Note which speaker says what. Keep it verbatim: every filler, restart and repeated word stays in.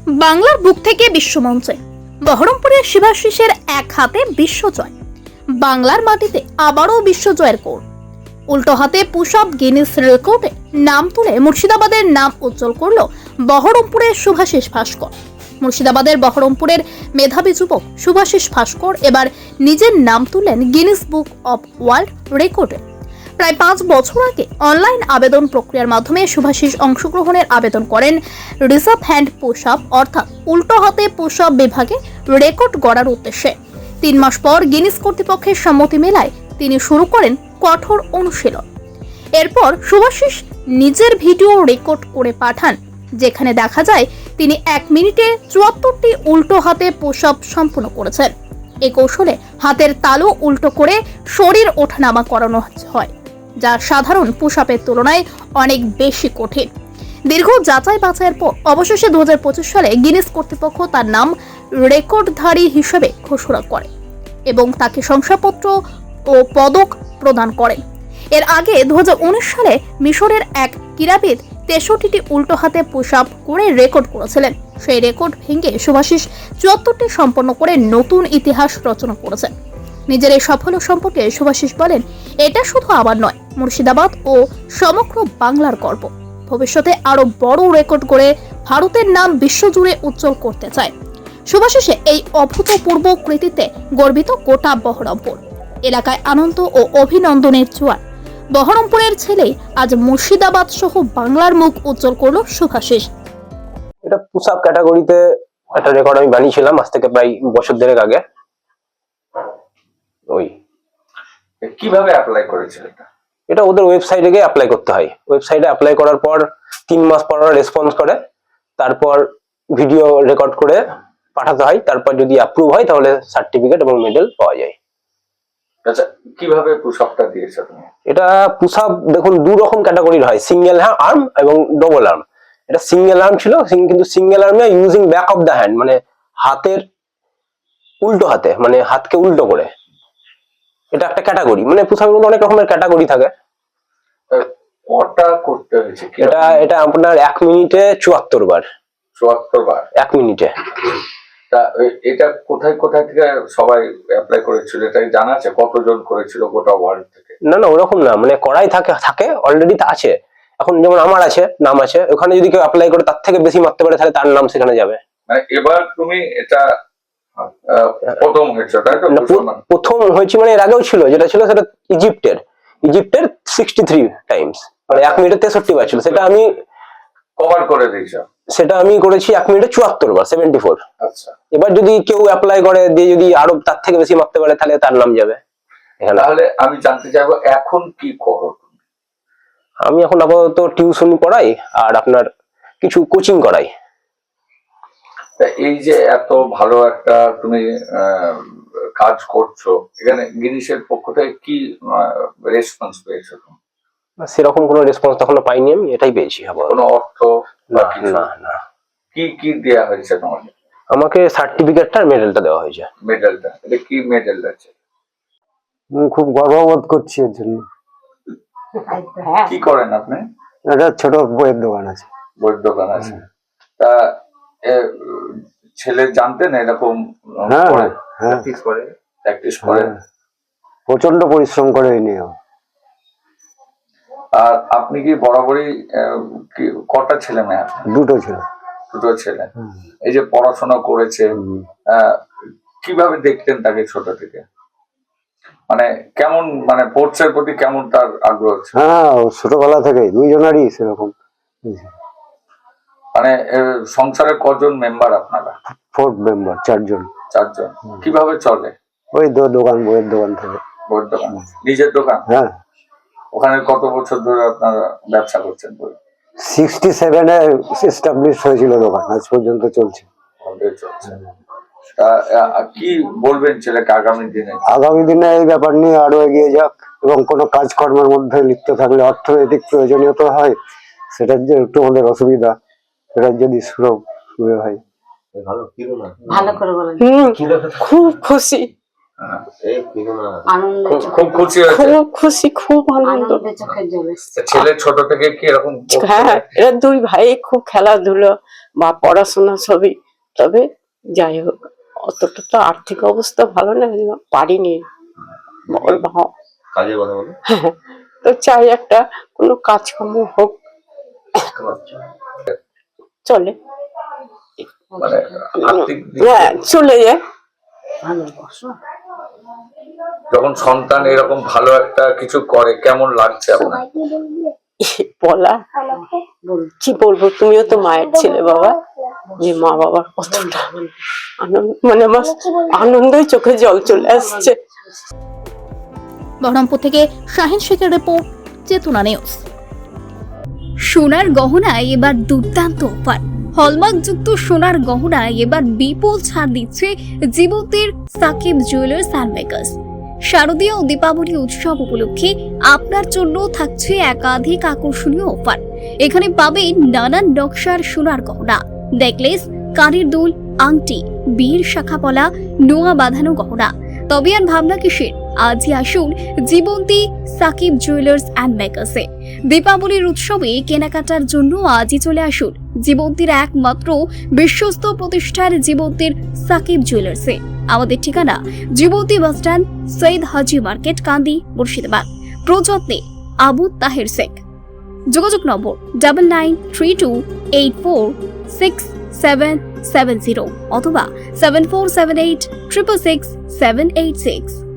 Speaker 1: বাংলার বুক থেকে বিশ্বমঞ্চে বহরমপুরের শিবাশিসের এক হাতে বিশ্বজয়। বাংলার মাটিতে আবারও বিশ্বজয়ের কোর। উল্টো হাতে পুশ আপ গিনেস রেকর্ডে নাম তুলে মুর্শিদাবাদের নাম উজ্জ্বল করল বহরমপুরের শুভাশিস ভাস্কর। মুর্শিদাবাদের বহরমপুরের মেধাবী যুবক শুভাশিস ভাস্কর এবার নিজের নাম তুললেন গিনেস বুক অব ওয়ার্ল্ড রেকর্ডে। প্রায় পাঁচ বছর আগে অনলাইন আবেদন প্রক্রিয়ার মাধ্যমে শুভাশিস অংশগ্রহণের আবেদন করেন রিজার্ভ হ্যান্ড পুশ আপ অর্থাৎ উল্টো হাতে পুশ আপ বিভাগে রেকর্ড গড়ার উদ্দেশ্যে। তিন মাস পর গিনেস কর্তৃপক্ষের সম্মতি মেলায় তিনি শুরু করেন কঠোর অনুশীলন। এরপর শুভাশিস নিজের ভিডিও রেকর্ড করে পাঠান, যেখানে দেখা যায় তিনি এক মিনিটে চুয়াত্তরটি উল্টো হাতে পুশ আপ সম্পূর্ণ করেছেন। এই কৌশলে হাতের তালু উল্টো করে শরীর ওঠানামা করানো হয়, যা সাধারণ পুশ আপের তুলনায় অনেক বেশি কঠিন। দীর্ঘ যাচাই বাছাইয়ের পর অবশেষে দু হাজার পঁচিশ সালে গিনেস কর্তৃপক্ষ তার নাম রেকর্ডধারী হিসেবে ঘোষণা করে এবং তাকে শংসাপত্র ও পদক প্রদান করে। এর আগে দু হাজার উনিশ সালে মিশরের এক ক্রীড়াবিদ তেষট্টিটি উল্টো হাতে পুশ আপ করে রেকর্ড করেছিলেন। সেই রেকর্ড ভেঙে শুভাশিস চুয়াত্তরটি সম্পন্ন করে নতুন ইতিহাস রচনা করেছেন। নিজের এই সাফল্য সম্পর্কে শুভাশিস বলেন, এটা শুধু আমার নয়, মুর্শিদাবাদ ও সমগ্র বাংলার গর্ব। ভবিষ্যতে আরো বড় রেকর্ড করে ভারতের নাম বিশ্বজুড়ে উজ্জ্বল করতে চায়। শুভাশিসে এই অভূতপূর্ব কৃতিত্বে গর্বিত গোটা বহরমপুর এলাকায় আনন্দ ও অভিনন্দনের জোয়ার। বহরমপুরের ছেলে আজ মুর্শিদাবাদ সহ বাংলার মুখ উজ্জ্বল করলো শুভাশিস।
Speaker 2: এটা পুশ আপ ক্যাটাগরিতে একটা রেকর্ড আমি বানিয়েছিলাম আজ থেকে প্রায় বছর দেড়েক আগে। ওই
Speaker 3: কিভাবে অ্যাপ্লাই করেছিল এটা?
Speaker 2: এটা ওদের ওয়েবসাইটে গিয়ে অ্যাপ্লাই করতে হয়। ওয়েবসাইটে অ্যাপ্লাই করার পর তিন মাস পর ওরা রেসপন্স করে, তারপর ভিডিও রেকর্ড করে পাঠাতে হয়। তারপর যদি অ্যাপ্রুভ হয় তাহলে সার্টিফিকেট এবং মেডেল পাওয়া যায়।
Speaker 3: আচ্ছা, কিভাবে পুশ আপটা দিয়েছো তুমি?
Speaker 2: এটা পুশ আপ দেখুন দু রকম ক্যাটাগরির হয়, সিঙ্গেল আর্ম এবং ডবল আর্ম। এটা সিঙ্গেল আর্ম ছিল, কিন্তু সিঙ্গেল আর্মে using back of the hand, মানে হাতের উল্টো হাতে, মানে হাতকে উল্টো করে। এটা একটা ক্যাটাগরি, মানে পুশ আপের মধ্যে অনেক রকমের ক্যাটাগরি থাকে।
Speaker 3: কটা করতে হয়েছে?
Speaker 2: এটা এটা আপনার এক মিনিটে চুয়াত্তর বার।
Speaker 3: চুয়াত্তর বার
Speaker 2: এক মিনিটে।
Speaker 3: তা এটা কোথায় কোথায় থেকে সবাই অ্যাপ্লাই করেছিল এটা জানা আছে? কতজন করেছিল গোটা ওয়ার্ল্ড থেকে?
Speaker 2: না না ওরকম না, মানে করাই থাকে থাকে অলরেডি আছে। এখন যেমন আমার আছে, নাম আছে, ওখানে যদি কেউ অ্যাপ্লাই করে তার থেকে বেশি মারতে পারে তাহলে তার নাম সেখানে যাবে।
Speaker 3: মানে এবার তুমি এটা প্রথম হয়েছে তাই তো?
Speaker 2: প্রথম হয়েছে মানে এর আগেও ছিল, যেটা ছিল সেটা ইজিপ্টের ইজিপ্টের সিক্সটি থ্রি টাইমস, মানে এক মিনিটে তেষট্টি বার ছিল। সেটা আমি
Speaker 3: কভার করে দিয়েছি।
Speaker 2: সেটা আমি করেছি এক মিনিটে চুয়াত্তর বার, সেভেন্টি ফোর।
Speaker 3: আচ্ছা,
Speaker 2: এবার যদি কেউ অ্যাপ্লাই করে দিয়ে যদি আরো তার থেকে বেশি মারতে পারে তাহলে তার নাম যাবে।
Speaker 3: তাহলে আমি জানতে চাইবো এখন কি করো?
Speaker 2: আমি এখন আপাতত টিউশন পড়াই আর আপনার কিছু কোচিং করাই।
Speaker 3: এই যে এত ভালো একটা তুমি কাজ করছো, এখানে গিনেসের পক্ষ থেকে কি রেসপন্স পেয়েছো?
Speaker 2: সেরকম কোনো রেসপন্স এখনো পাইনি আমি, এটাই পেয়েছি।
Speaker 3: কোনো অর্থ?
Speaker 2: না না না।
Speaker 3: কি কি দেয়া হয়েছে তোমাকে?
Speaker 2: আমাকে সার্টিফিকেটটা আর মেডেলটা দেওয়া হয়েছে।
Speaker 3: মেডেলটা, এটা কি মেডেল আছে?
Speaker 4: খুব গর্ববোধ করছি এর জন্য।
Speaker 3: কি করেন আপনি?
Speaker 4: একটা ছোট বইয়ের দোকান আছে।
Speaker 3: বইয়ের দোকান আছে। তা ছেলে জানতেন এরকম?
Speaker 4: হ্যাঁ
Speaker 3: করে
Speaker 4: হ্যাঁ
Speaker 3: প্র্যাকটিস করে প্র্যাকটিস করে
Speaker 4: প্রচন্ড পরিশ্রম করে এই নিয়ে।
Speaker 3: আর আপনি কি বরাবরই কটা ছেলে মেয়ে?
Speaker 4: দুটো ছেলে।
Speaker 3: দুটো ছেলে। এই যে পড়াশোনা করেছে, কিভাবে দেখতেন তাকে ছোট থেকে? মানে কেমন, মানে স্পোর্টসের প্রতি কেমন তার আগ্রহ?
Speaker 4: হ্যাঁ, ছোটবেলা থেকে দুইজনারই সেরকম।
Speaker 3: মানে সংসারে কজন মেম্বার আপনারা?
Speaker 4: ফোর্থ মেম্বার, চারজন।
Speaker 3: চারজন। কিভাবে চলে?
Speaker 4: ওই দোকান, বইয়ের দোকান থেকে।
Speaker 3: বইয়ের দোকান, নিজের দোকান?
Speaker 4: হ্যাঁ।
Speaker 3: ওখানে কত বছর ধরে আপনারা ব্যবসা করছেন? বই
Speaker 4: সিক্সটি সেভেনে এস্টাবলিশ হয়েছিল দোকান, আজ পর্যন্ত চলছে।
Speaker 3: চলছে। কি বলবেন ছেলেকে আগামী দিনে?
Speaker 4: আগামী দিনে এই ব্যাপার নিয়ে আরো এগিয়ে যাক এবং কোনো কাজকর্মের মধ্যে লিপ্ত থাকলে অর্থনৈতিক প্রয়োজনীয়তা হয়, সেটার যে একটু আমাদের অসুবিধা, সেটার যদি সুযোগ হয়।
Speaker 5: ভালো করে বলেন। খুব খুশি।
Speaker 3: হ্যাঁ।
Speaker 5: আনন্দ
Speaker 3: খুব খুব খুশি হয়েছে
Speaker 6: খুব খুশি, খুব আনন্দ।
Speaker 5: আনন্দে চোখের জল এসছে।
Speaker 3: তা ছেলে ছোট থেকে কি এরকম পড়তো?
Speaker 6: হ্যাঁ, এরা দুই ভাই খুব খেলাধুলো বা পড়াশোনা সবই, তবে যাই হোক অতটা তো আর্থিক অবস্থা ভালো না, পারিনি। ওর বাবা
Speaker 2: কাজের কথা বলো।
Speaker 6: হ্যাঁ, তো চাই একটা কোনো কাজকর্ম হোক, চলে।
Speaker 3: মানে আর্থিক দিক
Speaker 6: হ্যাঁ, চলে যায়।
Speaker 5: ভালোবাসো।
Speaker 3: যখন সন্তান এরকম ভালো একটা কিছু করে কেমন লাগছে আপনার?
Speaker 6: বলা
Speaker 5: বল।
Speaker 6: কি বলবো, তুমিও তো মায়ের ছেলে বাবা, যে মা বাবার কতটা আনন্দ, মানে আমার আনন্দই চোখে জল চলে আসছে।
Speaker 1: বহরমপুর থেকে শাহিন শেখের রিপোর্ট, চেতনা নিউজ। সোনার গহনায় এবার দুর্দান্ত অফার। হলমার্কযুক্ত সোনার গহনায় এবার বিপুল ছাড় দিচ্ছে জীবন্তীর সাকিব জুয়েলার্স অ্যান্ড মেকার্স। শারদীয় ও দীপাবলি উৎসব উপলক্ষে আপনার জন্য থাকছে একাধিক আকর্ষণীয় অফার। এখানে পাবেন নানান নকশার সোনার গহনা, নেকলেস, কানের দুল, আংটি, বীর শাখাপলা, নোয়া বাঁধানো গহনা। তবে আর ভাবনা কিসের, আজই আসুন জীবন্তী সাকিব জুয়েলার্স অ্যান্ড মেকার্সে। দীপাবলির উৎসবে কেনাকাটার জন্য আজই চলে আসুন জীবন্তীর একমাত্র বিশ্বস্ত প্রতিষ্ঠান জীবন্তীর সাকিব জুয়েলার্সে। আমাদের ঠিকানা জীবন্তী বাসস্ট্যান্ড, সৈয়দ হাজি মার্কেট, কান্দি, মুর্শিদাবাদ। প্রযত্নে আবু তাহের শেখ। যোগাযোগ নম্বর double nine three two eight four six seven seven zero অথবা seven four seven eight triple six seven eight six.